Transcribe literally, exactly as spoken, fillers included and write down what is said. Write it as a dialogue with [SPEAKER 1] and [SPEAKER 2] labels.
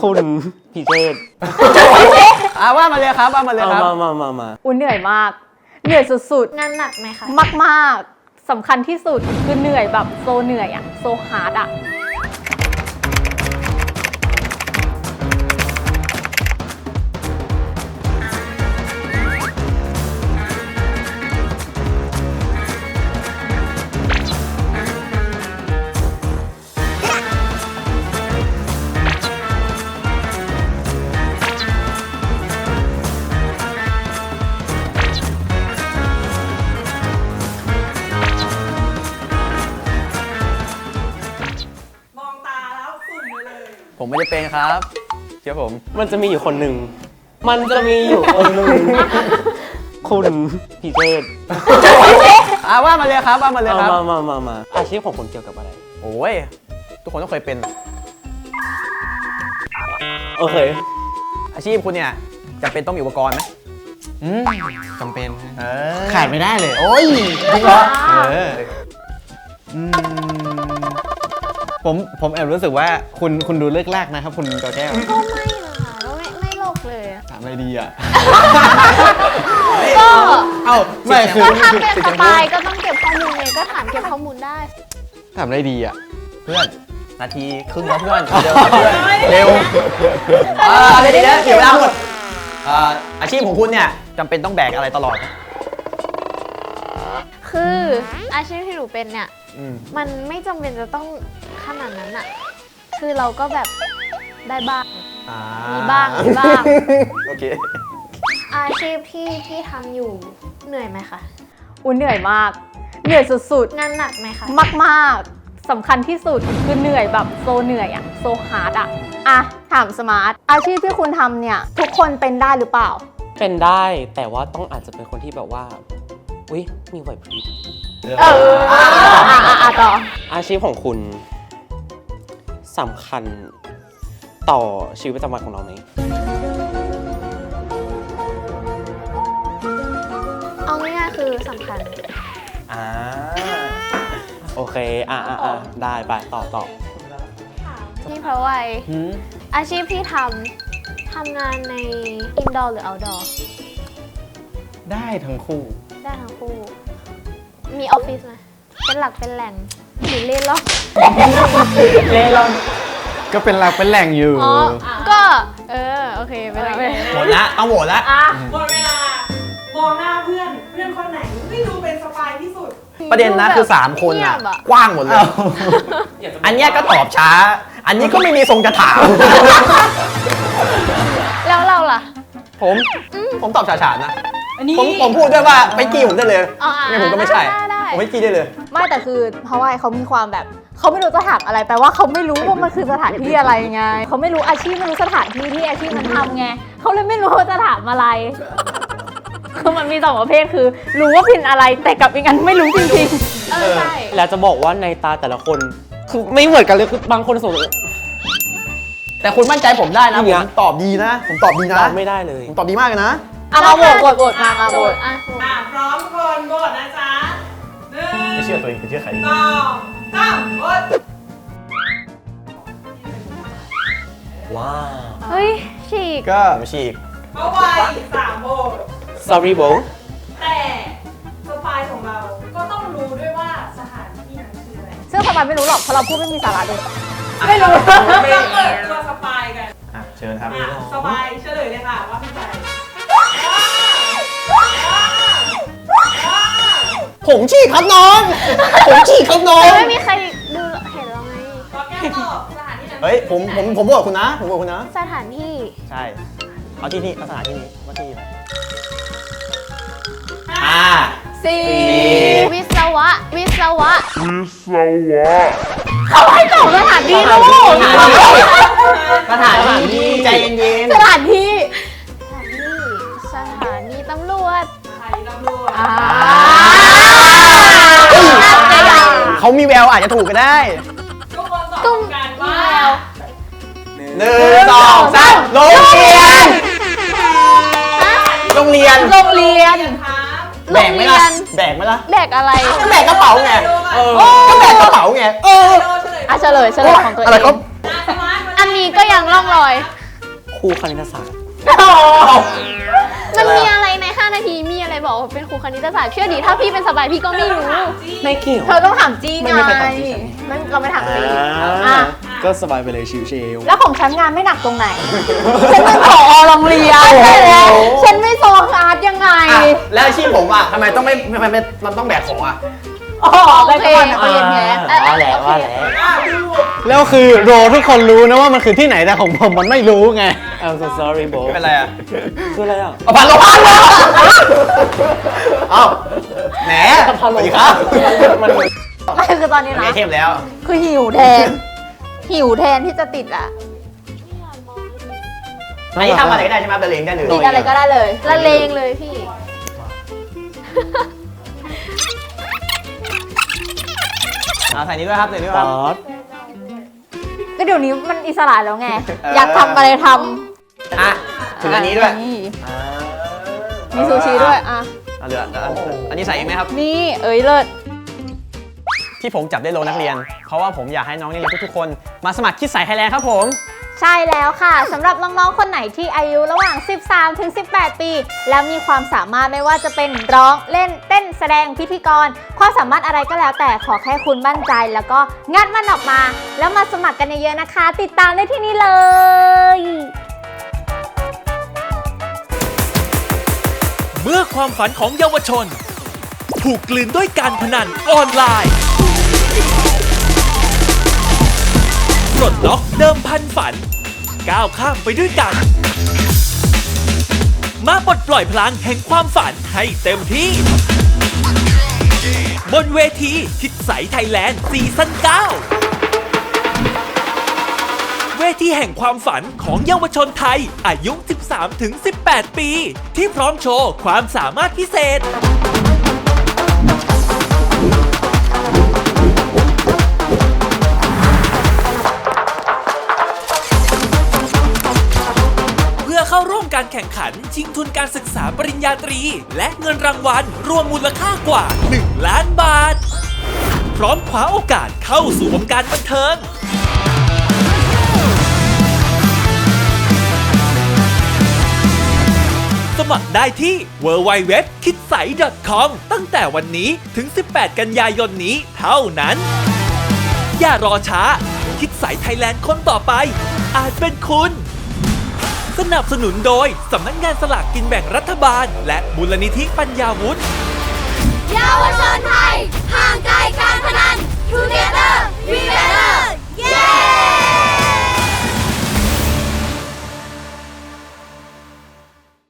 [SPEAKER 1] คุณพิเชษ
[SPEAKER 2] อ่าว่ามาเลยครับว่ามาเลยครับ
[SPEAKER 1] มามามามา
[SPEAKER 3] อุ้นเหนื่อยมากเหนื่อยสุดๆ
[SPEAKER 4] งานหนักไหมคะ
[SPEAKER 3] มากๆสำคัญที่สุดคือเหนื่อยแบบโซเหนื่อยอะโซฮาร์ดอะ
[SPEAKER 2] ผมไม่ได้เป็นครับเชื่อผม
[SPEAKER 1] มันจะมีอยู่คนหนึ่งมันจะมีอยู่คนหนึ่งคุณพิเชษ
[SPEAKER 2] อ่าว่ามาเลยครับว่ามาเลยครับ
[SPEAKER 1] มามามามาอาชีพของคุณเกี่ยวกับอะไร
[SPEAKER 2] โอ้ยทุกคนต้องเคยเป็น
[SPEAKER 1] โอเค
[SPEAKER 2] อาชีพคุณเนี่ยจำเป็นต้องมีอุปกรณ์ไหม
[SPEAKER 5] อืมจำเป็น
[SPEAKER 2] ขา
[SPEAKER 5] ขาดไม่ได้เลย
[SPEAKER 2] โอ้ยจริงเหรอเออ
[SPEAKER 5] อืมผมผมแอบรู้สึกว่าคุณคุณดูเลิกลากนะครับคุณกอแก้ว
[SPEAKER 4] ก็ไม่นะคะก็ไม่ไม่โลกเลย
[SPEAKER 5] ถามอะไรดีอ่ะ
[SPEAKER 4] ก็
[SPEAKER 5] เอ้าไม่คือ
[SPEAKER 4] ก็ถ้าเป็นสปายก็ต้องเก็บข้อมูลไงก็ถามเก็บข้อมูลได้
[SPEAKER 5] ถามอะไรดีอ่ะ
[SPEAKER 2] เพื่อนนาทีครึ่งแล้วเพื่อนเร็วเพื่อนเร็วอ่าเดี๋ยวเดี๋ยวเดี๋ยวเวลาหมดอ่าอาชีพของคุณเนี่ยจำเป็นต้องแบกอะไรตลอดไหม
[SPEAKER 4] คืออาชีพที่หนูเป็นเนี่ยมันไม่จำเป็นจะต้องขนาดนั้นอะคือเราก็แบบได้บ้างมีบ้างมีบ้าง
[SPEAKER 2] โอเค
[SPEAKER 4] อาชีพที่ที่ทำอยู่เหนื่อยไหมคะ
[SPEAKER 3] อุ้นเหนื่อยมากเหนื่อยสุดๆ
[SPEAKER 4] งานหนักไหมคะ
[SPEAKER 3] มากๆสำคัญที่สุดคือเหนื่อยแบบโซเหนื่อยอะโซฮาร์ดอะอะถามสมาร์ทอาชีพที่คุณทำเนี่ยทุกคนเป็นได้หรือเปล่า
[SPEAKER 1] เป็นได้แต่ว่าต้องอาจจะเป็นคนที่แบบว่าอุ้ยมีไหวพริบ
[SPEAKER 3] เอออ่ะอ่ะต่อ
[SPEAKER 1] อาชีพของคุณสำคัญต่อชีวิตประจำวันของเราไหม
[SPEAKER 4] เอาง่ายๆคือสำคัญ
[SPEAKER 1] อ่าโอเคอ่ะอ่ะอ่ะได้ไปต่อต่อ
[SPEAKER 4] พี่เพราะว่าอาชีพที่ทำทำงานในอินดอร์หรือเอาท์ดอร์
[SPEAKER 5] ได้ทั้งคู่
[SPEAKER 4] ได้ทั้งคู่มีออฟฟิศไหมเป็นหลักเป็นแหล่งหรือเล่นล่อง
[SPEAKER 1] เล่นล่อง
[SPEAKER 5] ก็เป็นหลักเป็นแหล่งอยู่
[SPEAKER 4] อ๋อก็เออโอเคเป็นหลักเป็น
[SPEAKER 2] หมดละเอาหมดละ
[SPEAKER 6] หมดเวลามองหน้าเพื่อนเพื่อนคนไหนไม่ดูเป็นสปายที่สุด
[SPEAKER 2] ประเด็นนะคือสามคนอ่ะกว้างหมดเลยอันนี้ก็ตอบช้าอันนี้ก็ไม่มีทรงจะถาม
[SPEAKER 4] แล้วเราล่ะ
[SPEAKER 2] ผมผมตอบฉาฉานนะผมผมพูดด้วยว่าไปกี้ผมได้เลยไม่ผมก็ไม่ใช่ผมไม่กี้ได้เลย
[SPEAKER 3] ไม่แต่คือเพราะว่าเขามีความแบบเขาไม่รู้จะถามอะไรแปลว่าเขาไม่รู้ว่ามันคือสถานที่อะไรไงเขาไม่รู้อาชีพไม่รู้สถานที่ที่อาชีพมันทำไงเขาเลยไม่รู้ว่าจะถามอะไรคือมันมีสองประเภทคือรู้ว่าพินอะไรแต่กับอีกอันไม่รู้จริง
[SPEAKER 4] ๆเออใช่
[SPEAKER 1] แล้วจะบอกว่าในตาแต่ละคนคือไม่เหมือนกันเลยคือบางคนสงสัย
[SPEAKER 2] แต่คุณมั่นใจผมได้นะผมตอบดีนะผมตอบดีนะ
[SPEAKER 1] ตอบไม่ได้เลย
[SPEAKER 2] ผมตอบดีมากเลยนะ
[SPEAKER 3] เอามาโหวตโหวตโหวตมามาโหวต
[SPEAKER 6] อ่ะพร้อมคนโหวตนะจ๊ะหนึ่ง
[SPEAKER 2] ไม่เชื่อตัวเองเชื่อใคร
[SPEAKER 6] สองสามโหวต
[SPEAKER 2] ว้าว
[SPEAKER 4] เฮ้ยฉีก
[SPEAKER 2] ก็ไม่ฉีก
[SPEAKER 6] เมื่อวานสามโหวต
[SPEAKER 1] sorry bro
[SPEAKER 6] แต่สปายของเราก็ต้องรู้ด้วยว่าสถานที่นั้นคืออะไร
[SPEAKER 3] ซึ่งสปายไม่รู้หรอกเพราะเราพูดไม่มีสาระเลยไม่รู้
[SPEAKER 6] เราเปิดตัวสปายกัน
[SPEAKER 2] อ่ะเชิญครับ
[SPEAKER 6] สปายเฉลยเลยค่ะว่าเป็นใคร
[SPEAKER 2] ผมฉีกครับน้องผมฉีกครับน้อง
[SPEAKER 4] ไม่มีใครดูเห็นเราไง
[SPEAKER 6] ก็แก้ตอบสถานที่นั้น
[SPEAKER 2] เฮ้ยผมผมผมบอกคุณนะผมบอกคุณนะ
[SPEAKER 4] สถานที่
[SPEAKER 2] ใช่เอาที่นี่เอาสถานที่นี้ว่าที่ไหนห้า
[SPEAKER 3] สี่
[SPEAKER 4] วิศวะวิศวะ
[SPEAKER 7] วิศวะ
[SPEAKER 3] เขาให้ตอบสถานที่ลูก
[SPEAKER 2] สถานที่ใจเย็น
[SPEAKER 3] ๆสถานที่
[SPEAKER 4] สถานที่สถานีตำรวจ
[SPEAKER 6] ใครตำรวจ
[SPEAKER 2] เขามีแววอาจจะถูกก็ได้
[SPEAKER 6] ทุกคนตอบกันว่า
[SPEAKER 2] หนึ่งสองสามโรงเรียนโรงเรียน
[SPEAKER 3] โรงเรียน
[SPEAKER 2] แบกไหมล่ะแบกไหมล่ะ
[SPEAKER 4] แบกอะไร
[SPEAKER 2] ก็แบกกระเป๋าไงก็แบกกระเป๋าไงเออ
[SPEAKER 3] อ่ะเฉลยเฉลยของตัวเอง
[SPEAKER 2] อะไรครับ
[SPEAKER 3] อัน
[SPEAKER 4] นี้ก็ยังร่องรอย
[SPEAKER 1] ครูคณิตศาสตร์
[SPEAKER 4] มันมีอะไรในห้านาทีมีอะไรบอกว่าเป็นครูคณิตศาสตร์เชื่อดิถ้าพี่เป็นสบายพี่ก็ไม่รู้
[SPEAKER 1] ไม่เกี่ยว
[SPEAKER 3] เธอต้องถามจี้ไง
[SPEAKER 1] ไม่มีใครถามจี้ฉัน
[SPEAKER 3] ไม่เราไม่ถามจี้
[SPEAKER 1] อ่า
[SPEAKER 3] อ่ะ
[SPEAKER 5] ก็สบายไปเลยชิว
[SPEAKER 3] แล้วของฉันงานไม่หนักตรงไหน ฉันเป็นผอโรงเรียนใช่ไหมฉันไม่โซอาร์ตยังไง
[SPEAKER 2] อ่ะแล้วอาชีพผมอ่ะทำไมต้องไม่ทำไมไม่มันต้องแบกของอ่ะ
[SPEAKER 3] อ๋อเป็นกระบอกนักเรียนแท้
[SPEAKER 1] ว่าแล้วว่าแล้ว
[SPEAKER 5] ๆ แล้วคือโรทุกคนรู้นะว่ามันคือที่ไหนแต่ของผมมันไม่รู้ไง
[SPEAKER 1] I'm so sorry bro
[SPEAKER 2] เป็นไรอ่ะ
[SPEAKER 1] คืออะไรอ่ะ
[SPEAKER 2] เอาพันลงพันเลยเอ้าแหมสวัสดีครับ
[SPEAKER 1] มัน
[SPEAKER 3] ไม่คือตอนนี้
[SPEAKER 2] ไม่
[SPEAKER 3] นะ
[SPEAKER 2] เทพแล้ว
[SPEAKER 3] คือหิวแทน หิวแทนที่จะติดอ่ะ
[SPEAKER 2] อันนี้ทำอะไรก็ได้ใช่ไหมเป็นเลงได้เลย
[SPEAKER 3] ติดอะไรก็ได้เลย
[SPEAKER 4] ละเลงเลยพี่
[SPEAKER 2] เอาใส่นี้ด้วยครับใส่นี้ด้วย
[SPEAKER 1] ป๊
[SPEAKER 2] ครับ
[SPEAKER 1] อด
[SPEAKER 3] ก็เดี๋ยวนี้มันอิสระแล้วไง อยากทำอะไรท
[SPEAKER 2] อ่ะ
[SPEAKER 3] ำ
[SPEAKER 2] ถึงอันนี้ด้วย
[SPEAKER 3] นี่มีซูชิด้วย อ่ะ
[SPEAKER 2] เอาเหลืออันอันนี้ใส่เองไหมครับ
[SPEAKER 3] นี่ เอ้ยเลิศ
[SPEAKER 2] ที่ผมจับได้โลนักเรียน เพราะว่าผมอยากให้น้องนักเรียนทุกๆคนมาสมัครคิดใส่ไทยแลนด์ครับผม
[SPEAKER 3] ใช่แล้วค่ะสำหรับน้องๆ คนไหนที่อายุระหว่าง สิบสามถึงสิบแปด ปี แล้วมีความสามารถไม่ว่าจะเป็นร้องเล่นเต้นแสดงพิธีกร ความสามารถอะไรก็แล้วแต่ขอแค่คุณมั่นใจ แล้วก็งัดมันออกมา แล้วมาสมัครกันเยอะๆนะคะ ติดตามได้ที่นี่เลย
[SPEAKER 8] เมื่อความฝันของเยาวชน ถูกกลืนด้วยการพนันออนไลน์ปลดล็อกเดิมพันฝัน ก้าวข้ามไปด้วยกัน มาปลดปล่อยพลังแห่งความฝันให้เต็มที่ บนเวทีคิดใสไทยแลนด์ซีซั่นเก้า เวทีแห่งความฝันของเยาวชนไทยอายุ สิบสามถึงสิบแปด ปี ที่พร้อมโชว์ความสามารถพิเศษ เพื่อเข้าร่วมการแข่งขันชิงทุนการศึกษาปริญญาตรี และเงินรางวัลรวมมูลค่ากว่า หนึ่ง ล้านบาท พร้อมคว้าโอกาสเข้าสู่วงการบันเทิง สมัครได้ที่ ดับเบิลยู ดับเบิลยู ดับเบิลยู ดอท คิดใส ดอท คอม ตั้งแต่วันนี้ถึง สิบแปด กันยายนนี้เท่านั้น อย่ารอช้า คิดใสไทยแลนด์คนต่อไป อาจเป็นคุณ สนับสนุนโดยสำนักงานสลากกินแบ่งรัฐบาล และมูลนิธิปัญญาวุฒิ
[SPEAKER 9] เยาวชนไทยห่างไกลการพนัน Together We Better